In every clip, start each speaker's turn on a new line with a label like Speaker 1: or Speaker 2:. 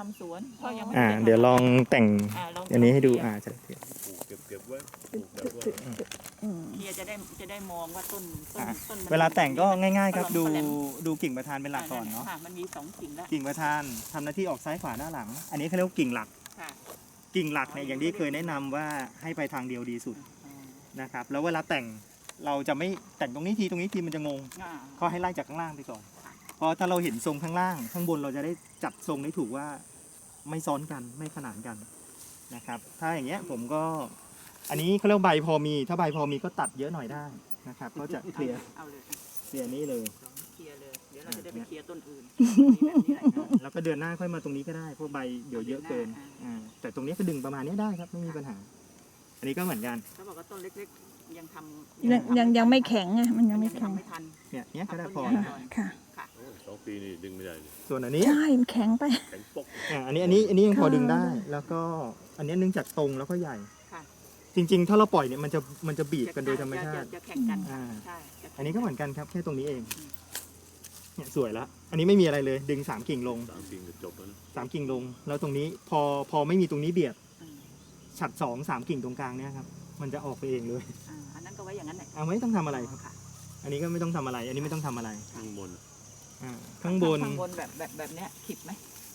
Speaker 1: ำสวนพ่อยังไม่
Speaker 2: เดี๋ยวลองแต่ง
Speaker 1: ลอง
Speaker 2: อันนี้ให้ดูจะได้
Speaker 3: เก็บไว้ปลูกแบบว่า
Speaker 1: เฮียจะได้มองว่าต้นมัน
Speaker 2: เวลาแต่งก็ง่ายๆครับ
Speaker 1: ปลอม
Speaker 2: ดูกิ่งประธานเป็นหลักก่อนเนาะ
Speaker 1: ค่ะมันมี2กิ่งแล้ว
Speaker 2: กิ่งประธานทำหน้าที่ออกซ้ายขวาหน้าหลัง อันนี้เขาเรียกว่ากิ่งหลัก
Speaker 1: ค่ะ
Speaker 2: กิ่งหลักเนี่ยอย่างที่เคยแนะนำว่าให้ไปทางเดียวดีสุดนะครับแล้วเวลาแต่งเราจะไม่แต่งตรงนี้ทีมันจะงงก็ให้ไล่จากข้างล่างไปก่อนเพราะถ้าเราเห็นทรงข้างล่างข้างบนเราจะได้จัดทรงได้ถูกว่าไม่ซ้อนกันไม่ขนานกันนะครับถ้าอย่างเงี้ยผมก็อันนี้เขาเรียกใบพอมีถ้าใบพอมีก็ตัดเยอะหน่อยได้นะครับก็จะเคลียร์
Speaker 1: เอาเลย
Speaker 2: เคลียร์นี้เลย
Speaker 1: เคลียร์เลยเดี๋ยวเราจะได้ไปเคลียร์ต้นอื่น
Speaker 2: แล้วก็เดือนหน้าค่อยมาตรงนี้ก็ได้เพราะใบเดี๋ยวเยอะเกินแต่ตรงนี้ก็ดึงประมาณนี้ได้ครับไม่มีปัญหา อันนี้ก็เหมือนกัน
Speaker 1: เขาบอกว่าต้นเล็กๆยังทำ
Speaker 4: ยังไม่แข็งไงมันยังไม่แข็ง
Speaker 1: ไม่ทัน
Speaker 2: เนี่ยก็ได้พอ
Speaker 4: ค่ะ
Speaker 3: 2 ปีนี่ดึงไม่ได้เลย
Speaker 2: ส่วนอันนี้
Speaker 4: ใช่มันแข็งไป
Speaker 3: แข็งปก
Speaker 2: อันนี้ยังพอดึงได้ แล้วก็อันนี้เนื่องจากตรงแล้วก็ใหญ่
Speaker 1: ค่ะ
Speaker 2: จริงๆ ถ้าเราปล่อยเนี่ยมันจะบีบกันโดยธรรมชาติ
Speaker 1: จะแข่งกันใช่
Speaker 2: อันนี้ก็เหมือนกันครับแค่ตรงนี้เองเนี่ยสวยแล้วอันนี้ไม่มีอะไรเลยดึง3กิ่งลง
Speaker 3: 3 ปีก็จบแล้วนะ
Speaker 2: 3กิ่งลง แล้วตรงนี้พอไม่มีตรงนี้เบียดฉัด2-3กิ่งตรงกลางเนี่ยครับมันจะออกไปเองเลย
Speaker 1: อันนั้นก็ไว้อย่างนั้นแหละ
Speaker 2: ไม่ต้องทำอะไรครับอันนี้ก็ไม่ต้องทำอะไร อันนี้ไม่ต้องทำอะไร
Speaker 3: ข้างบน
Speaker 2: ข้างบน
Speaker 1: แบบเนี้ยขิดไหม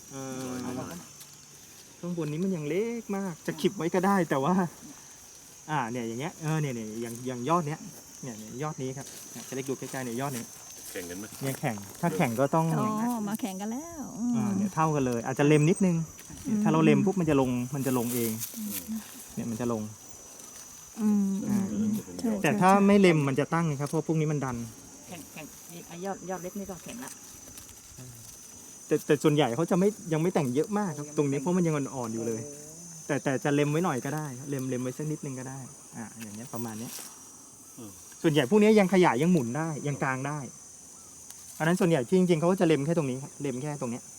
Speaker 2: ข้างบนนี้มันยังเล็กมากจะขิบไว้ก็ได้แต่ว่าเนี่ยอย่างเงี้ยเนี่ยอย่างยอดเนี้ยเนี่ยยอดนี้ครับจะได้ดูใกล้ๆเนี่ยยอดนี้
Speaker 3: แข่งกันไหม
Speaker 2: เนี่ยแข่งถ้าแข่งก็ต้อง
Speaker 4: อ๋อมาแข่งกันแล้ว
Speaker 2: เนี่ยเท่ากันเลย อาจจะเล็มนิดนึงถ้าเราเล็มปุ๊บมันจะลงเองเนี่ยมันจะลงแต่ถ้าไม่เล็มมันจะตั้งครับเพราะพวกนี้มันดัน
Speaker 1: แข่งยอดเล็กนี่ก็แข่งละ
Speaker 2: แต่ส่วนใหญ่เขาจะยังไม่แต่งเยอะมากครับตรงนี้เพราะมันยังอ่อนๆอยู่เลย แต่จะเล็มไว้หน่อยก็ได้เล็มไว้สักนิดนึงก็ได้อย่างเงี้ยประมาณเนี้ยส่วนใหญ่พวกนี้ยังขยายยังหมุนได้ยังกลางได้อันนั้นส่วนใหญ่ที่จริงๆเขาก็จะเล็มแค่ตรงนี้ครับเล็มแค่ตรงเนี้ย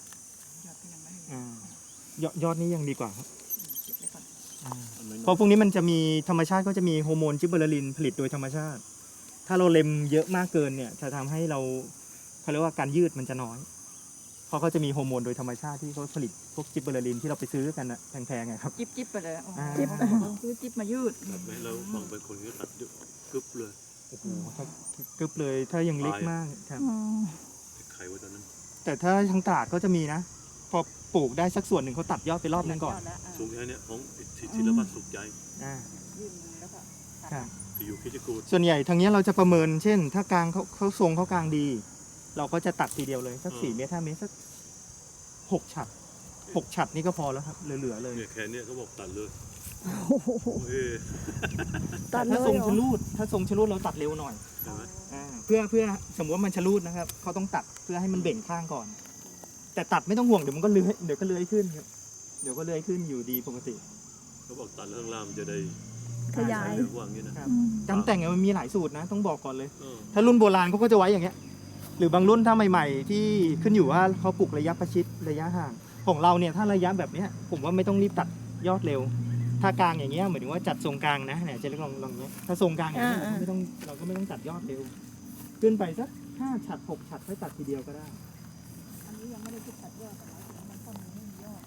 Speaker 2: ยอดนี้ยังดีกว่าครับเพราะพวกนี้มันจะมีธรรมชาติก็จะมีฮอร์โมนจิบเบอร์ลินผลิตโดยธรรมชาติ ถ้าเราเล็มเยอะมากเกินเนี่ยจะทำให้เขาเรียกว่าการยืดมันจะน้อยเพราะเขาจะมีฮอร์โมนโดยธรรมชาติที่เขาผลิตพวกจิบเบอร์ลินที่เราไปซื้อกันนะแพงๆไงครับ
Speaker 1: จิ๊บไปเลยซื้อจิ๊บมายืด
Speaker 3: ตัดไหมเราบางเป็นคนก็ตัดกึบเลย
Speaker 2: โอ้โหถ้ากึบเลยถ้ายังเล็กมากครับ
Speaker 3: ไข่ไว้ตอนนั้น
Speaker 2: แต่ถ้าทางตราดก็จะมีนะพอปลูกได้สักส่วนหนึ่งเขาตัดยอดไปรอบนึงก่อน
Speaker 3: สูงแค่นี้ของศิลปะสุขใจ
Speaker 1: ยื่นมือแล้วก็
Speaker 3: ที่อยู่คิดจะกูด
Speaker 2: ส่วนใหญ่ทางนี้เราจะประเมินเช่น ถ้ากลางเขาทรงเขากลางดี เราก็จะตัดทีเดียวเลยสัก4 เมตร5 เมตรสัก6 ฉัด6 ฉัดนี่ก็พอแล้วครับเหลือๆเลย
Speaker 3: เนี่ยแค่นี้เขาบอกตัดเลย
Speaker 4: ตัดเล
Speaker 2: ถ้าย ทรงชะลูดเราตัดเร็วหน่อย
Speaker 3: ใช่ไหม
Speaker 2: เพื่อสมมติว่ามันชะลูดนะครับเขาต้องตัดเพื่อให้มันเบ่งข้างก่อน แต่ตัดไม่ต้องห่วงเดี๋ยวมันก็เลื้อยขึ้นครับเดี๋ยวก็เลื้อยขึ้นอยู่ดีปกติ
Speaker 3: เขาบอกตัดข้างล่างมันจะได้
Speaker 4: ขยาย
Speaker 3: ว่างนี้นะ
Speaker 2: การแต่งมันมีหลายสูตรนะต้องบอกก่อนเลย ถ้ารุ่นโบราณเขาก็จะไว้อย่างเงี้ยหรือบางรุ่นถ้าใหม่ๆที่ขึ้นอยู่ว่าเขาปลูกระยะประชิดระยะห่างของเราเนี่ยถ้าระยะแบบเนี้ยผมว่าไม่ต้องรีบตัดยอดเร็ว ถ้ากลางอย่างเงี้ยหมายถึงว่าจัดทรงกลางนะเนี่ยจะลองเนี้ยถ้าทรงกลางอย่างเงี้ยเราก็ไม่ต้องตัดยอดเร็วขึ้นไปสัก5 ฉัด6 ฉัดค่อยตัดทีเดียวก็ได้
Speaker 1: อันนี้ยังไม่ได้ตัดยอดมันต้นไม่มียอด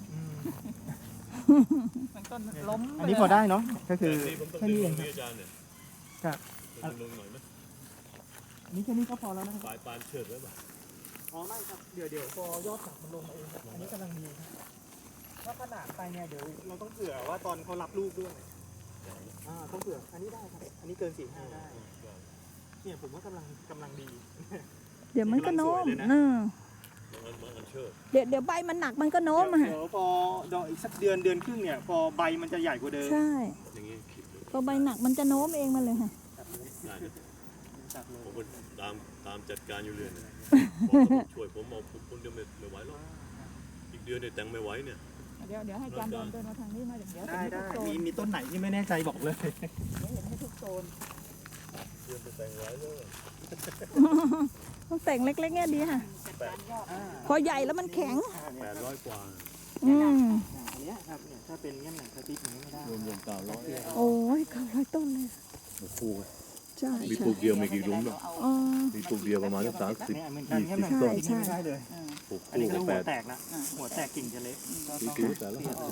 Speaker 1: มันต้นล้ม
Speaker 2: อันนี้พอได้เนาะก็คือแค่นี้เอง
Speaker 3: อาจารย์เนี่ย
Speaker 2: ครับ
Speaker 3: ลงหน่อยไหม
Speaker 2: นี่แค่นี้ก็พอแล้วนะครับ
Speaker 3: ปลายเฉิดไว้ป่ะ
Speaker 2: อ๋อไม่ครับเดี๋ยวพอยอดสักมันลงมาเองครับอันนี้กำลังดีครับถ้าขนาดไปเนี่ยเดี๋ยวเราต้องเผื่อว่าตอนเขารับลูกด้วยต้องเผื่ออันนี้ได้ครับอันนี้เกิน4-5ได้เนี่ยผมว่ากำลังดี
Speaker 4: เดี๋ยวมันก็โน้ม
Speaker 3: มันเชิด
Speaker 4: เดี๋ยวใบมันหนักมันก็โน้ม
Speaker 2: เดี๋ยวพอดอกอีกสักเดือนครึ่งเนี่ยพอใบมันจะใหญ่กว่าเดิม
Speaker 4: ใช่
Speaker 3: อย่างงี้คิดเลย
Speaker 4: พอใบหนักมันจะโน้มเองมาเลยค่ะ
Speaker 3: ได้นะผมก็ตามจัดการอยู่เรื่อยนะช่วยผมเอาคนเดียวไม่ไหวหรอกอีกเดือนเนี่ยแต่งไม่ไหวเนี่ย
Speaker 1: เดี๋ยวให้จานเดินมาทางนี้มาเดี๋ยว
Speaker 2: ได้มีต้นไหนที่ไม่แน่ใจบอกเลย
Speaker 1: เห็นให้ทุกโซน
Speaker 3: เดือนจะแต่งไว้เลย
Speaker 4: ต้องแต่งเล็กๆเนี่ยดีค่ะ พอใหญ่แล้วมันแข็ง
Speaker 3: 800 กว่า
Speaker 2: อันนี้ครับเนี่ยถ้าเป็นเงี้ยหนังสติ๊กอย่างนี้ไม่ได้
Speaker 3: รวม900
Speaker 4: โอ้ย900 ต้นเลย
Speaker 3: โอ้โห
Speaker 4: ใช่
Speaker 3: มีปลูกเดียวไม่กี่หลุมหรอก
Speaker 4: อ๋อ
Speaker 3: มีปลูกเดียวประมาณสัก30
Speaker 2: เนี่ยเหมือนกันเงี้ยหนังสติ๊กไม่ได้เลย
Speaker 3: ปลูก
Speaker 2: อันนี้
Speaker 3: คู่
Speaker 2: ก็
Speaker 3: กับ
Speaker 2: หั
Speaker 3: แป
Speaker 2: ว
Speaker 3: ด
Speaker 2: แตกละหัวแตกกิ่งจะเล็กก็
Speaker 3: สี
Speaker 2: ต้อง
Speaker 3: ผิวแต่ละ
Speaker 2: เปลี่ยนออก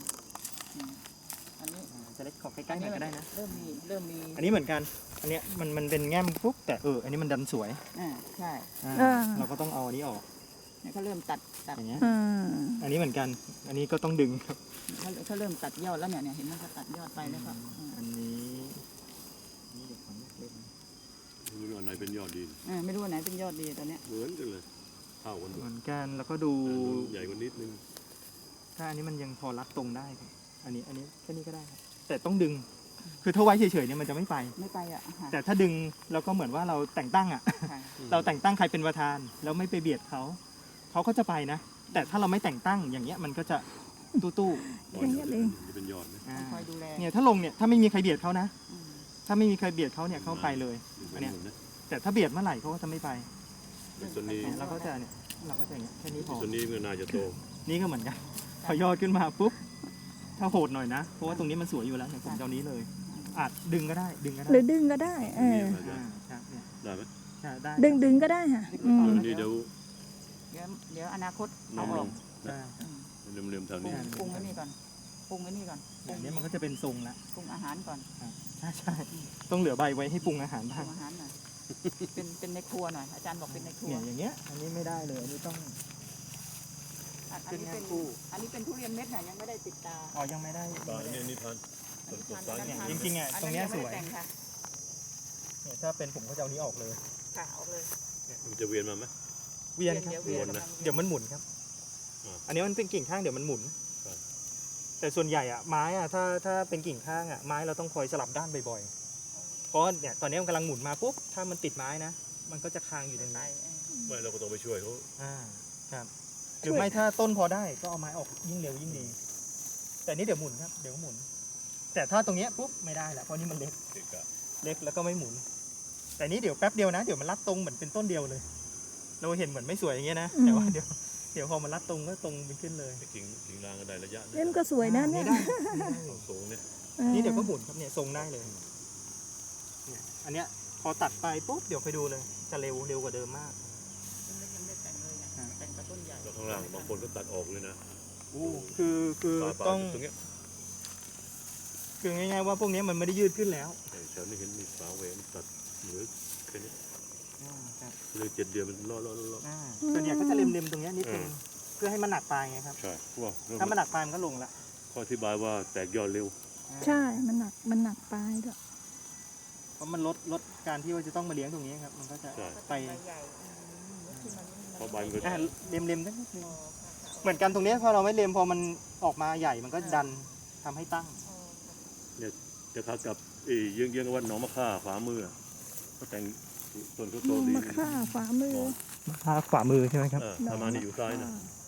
Speaker 1: อันนี้
Speaker 2: จะเล็กขอใกล้ๆหน่อยก็ได้นะ
Speaker 1: เริ่มมี
Speaker 2: อันนี้เหมือนกัน อันเนี้ยมันเป็นแง้มปุ๊บแต่อันนี้มันดันสวย
Speaker 1: ใช่
Speaker 2: เราก็ต้องเอาอันนี้ออก
Speaker 1: เนี่ยเขาเริ่มตัด
Speaker 2: อย่างเงี้ย
Speaker 4: อ่า
Speaker 2: อันนี้เหมือนกัน อันนี้ก็ต้องดึงครับ
Speaker 1: เขาเริ่มตัดยอดแล้วเนี่ยเห็นไหมเขาตัดยอดไปแล้วก็
Speaker 2: อันนี้นี่เดี๋ยวขอเล็ก
Speaker 3: ไม่รู้อันไหนเป็นยอดดี
Speaker 1: ไม่รู้ว่าไหนเป็นยอดดีตอนเนี้ย
Speaker 3: เหมือนกันเลยเท่ากัน
Speaker 2: ๆ
Speaker 3: หม
Speaker 2: เห
Speaker 3: ด
Speaker 2: มือนกันแล้วก็ดู
Speaker 3: ใหญ่กว่านิดนึง
Speaker 2: ถ้าอันนี้มันยังพอรัดตรงได้ครับอันนี้แค่นี้ก็ได้ครับแต่ต้องดึง คือถ้าไว้เฉยๆเนี่ยมันจะไม่ไป
Speaker 1: ไม่ไปอ่ะ
Speaker 2: แต่ถ้าดึงเราก็เหมือนว่าเราแต่งตั้งอ่ะ เราแต่งตั้งใครเป็นประธานแล้วไม่ไปเบียดเขาก็จะไปนะ แต่ถ้าเราไม่แต่งตั้งอย่างเงี้ยมันก็จะตู้
Speaker 4: อย่างเงี้ยเอง
Speaker 3: จะเป็นยอดไหม
Speaker 2: ๆอ่า
Speaker 1: คอยดูแล
Speaker 2: เนี่ยถ้าลงเนี่ยถ้าไม่มีใครเบียดเขานะ ถ้าไม่มีใครเบียดเขาเนี่ยเขาไปเลย อันเนี้ย แต่ถ้าเบียดเมื่อไหร่เขาก็จะไม่ไป
Speaker 3: ต้นนี้
Speaker 2: เนี่ยเราก็จะอย่างเงี้ยแค่นี้พอ
Speaker 3: ต้นนี้มันน่าจะโต
Speaker 2: นี่ก็เหมือนกันพอยอดขึ้นมาปุ๊บถ้าโหดหน่อยนะเพราะว่าตรงนี้มันสวยอยู่แล้วเนี่ยผมจะเอานี้เลยอาจดึงก็ได้
Speaker 4: หรือดึงก็ได้เออ
Speaker 2: อ่าครับเนี่ย
Speaker 3: ได้ไหม
Speaker 2: ใช่ได้
Speaker 4: ดึงก็ได้ค่ะอืม
Speaker 3: นี่เดี๋ยว
Speaker 1: เดี๋ยวอนาคต
Speaker 3: น้
Speaker 1: เอา
Speaker 3: อง
Speaker 1: อ
Speaker 3: ล
Speaker 1: อก
Speaker 3: ง
Speaker 2: ใช่
Speaker 3: เริ่มๆแถวนี้
Speaker 1: ปรุงไว้นี่ก่อนปรุงไว้นี่ก่อน
Speaker 2: อย่างนี้มันก็จะเป็นทรงละ
Speaker 1: ปรุงอาหารก่อน
Speaker 2: ใช่ต้องเหลือใบไว้ให้ปรุงอาหาร
Speaker 1: ป
Speaker 2: บ้า
Speaker 1: รุ
Speaker 2: ง
Speaker 1: งอาหารหน่อยเป็นในครัวหน่อยอาจารย์บอกเป็นในครัว
Speaker 2: เนี่ยอย่างเงี้ยอันนี้ไม่ได้เลยอันนี้ต้อง
Speaker 1: อันนี้เป็นทุเรียนเม็ดน่ะยังไม่ได้ติดตา
Speaker 2: อ๋อยังไม่ได้
Speaker 3: ตายนี่ทันต้นกดตาย
Speaker 2: เนี่ย
Speaker 3: นี่
Speaker 2: จริงๆอ่ะตรงเนี้ยสวย
Speaker 1: แต่งค่ะ
Speaker 2: เนี่ยถ้าเป็นผมก็จะเอานี้ออกเลย
Speaker 1: ค่ะเอาเลย
Speaker 3: มันจะเวียนมาไหม
Speaker 2: เวียนครับ
Speaker 1: เวียน
Speaker 3: วนนะ
Speaker 2: เดี๋ยวมันหมุนครับ
Speaker 3: อ่า
Speaker 2: อันนี้มันเป็นกิ่งข้างเดี๋ยวมันหมุน
Speaker 3: ครับ
Speaker 2: แต่ส่วนใหญ่อะไม้อะถ้าเป็นกิ่งข้างอะไม้เราต้องคอยสลับด้านบ่อยๆเพราะเนี่ยตอนนี้มันกำลังหมุนมาปุ๊บถ้ามันติดไม้นะ มันก็จะค้างอยู่ตรง
Speaker 1: ไป
Speaker 2: นี้
Speaker 3: ไม่เราก็ต้องไปช่วยเขา
Speaker 2: ครับหรือไม่ถ้าต้นพอได้ก็เอาไม้ออกยิ่งเร็วยิ่งดี แต่นี่เดี๋ยวหมุนครับเดี๋ยวก็หมุน แต่ถ้าตรงเนี้ยปุ๊บไม่ได้ละเพราะนี่มันเล็ก
Speaker 3: เด็กอะ
Speaker 2: เล็กแล้วก็ไม่หมุน แต่นี้เดี๋ยวแป๊บเดียวนะเดี๋ยวมันรัดตรงเหมือนเป็นต้นเดียวเลย เราเห็นเหมือนไม่สวยอย่างเงี้ยนะแต่ว่าเดี๋ยวพอมันรัดตรงก็ตรงไปขึ้นเลย
Speaker 3: ไอ้กิ่งรางก็ได้ระยะ
Speaker 4: เล่นก็สวยนะเนี่ย
Speaker 2: ได้
Speaker 3: สูงเนี่ย
Speaker 2: นี่เดี๋ยวก็หมุนครับเนี่ยทรงได้เลยเนี่ยอันเนี้ยพอตัดไปปุ๊บเดี๋ยวไปดูเลยจะเร็วกว่าเดิมมาก
Speaker 1: ต้นเล็กยังไม่ได้แต่งเลยไงแต่งกับต้นใหญ่
Speaker 3: แล้วข้างล่างบางคนก็ตัดออกเลยนะ
Speaker 2: คือ
Speaker 3: ปลาย
Speaker 2: ต้อง
Speaker 3: ตรงเนี้ย
Speaker 2: คือง่ายๆว่าพวกนี้มันไม่ได้ยืดขึ้นแล้ว
Speaker 3: แถวนี้เห็นมีฝาเวมันตัดเหลือแค่นี้
Speaker 2: ครับ
Speaker 3: เลย7 เดือนมันล่อ
Speaker 2: ส่วนใหญ่ก็จะเล็มๆตรงเนี้ยนิดนึงเพื่อให้มันหนักปลายไงครับ
Speaker 3: ใช่เพราะว่า
Speaker 2: ถ้ามันหนักปลายมันก็ลงละ
Speaker 3: ข้ออธิบายว่าแตกยอดเร็ว
Speaker 4: ใช่มันหนักไปด้วย
Speaker 2: เพราะมันลดการที่ว่าจะต้องมาเลี้ยงตรงนี้ครับมันก็จะ
Speaker 3: ใช่
Speaker 2: ไป
Speaker 1: ใหญ่ที่มัน
Speaker 3: เพราะใบมันก็
Speaker 2: เล็มๆสักนิดนึงเหมือนกันตรงเนี้ยพอเราไม่เล็มพอมันออกมาใหญ่มันก็ดันทำให้ตั้ง
Speaker 3: จะคัดกับเยื้องๆกับวัดหนองมะค่าขวามือก็แต่งต้นเขาโตดี
Speaker 4: มาฆ่าฝ่ามือ
Speaker 2: ขวามือใช่ไหมครับ
Speaker 3: ถ้ามานี่อยู่ซ้ายนะ
Speaker 4: อ่า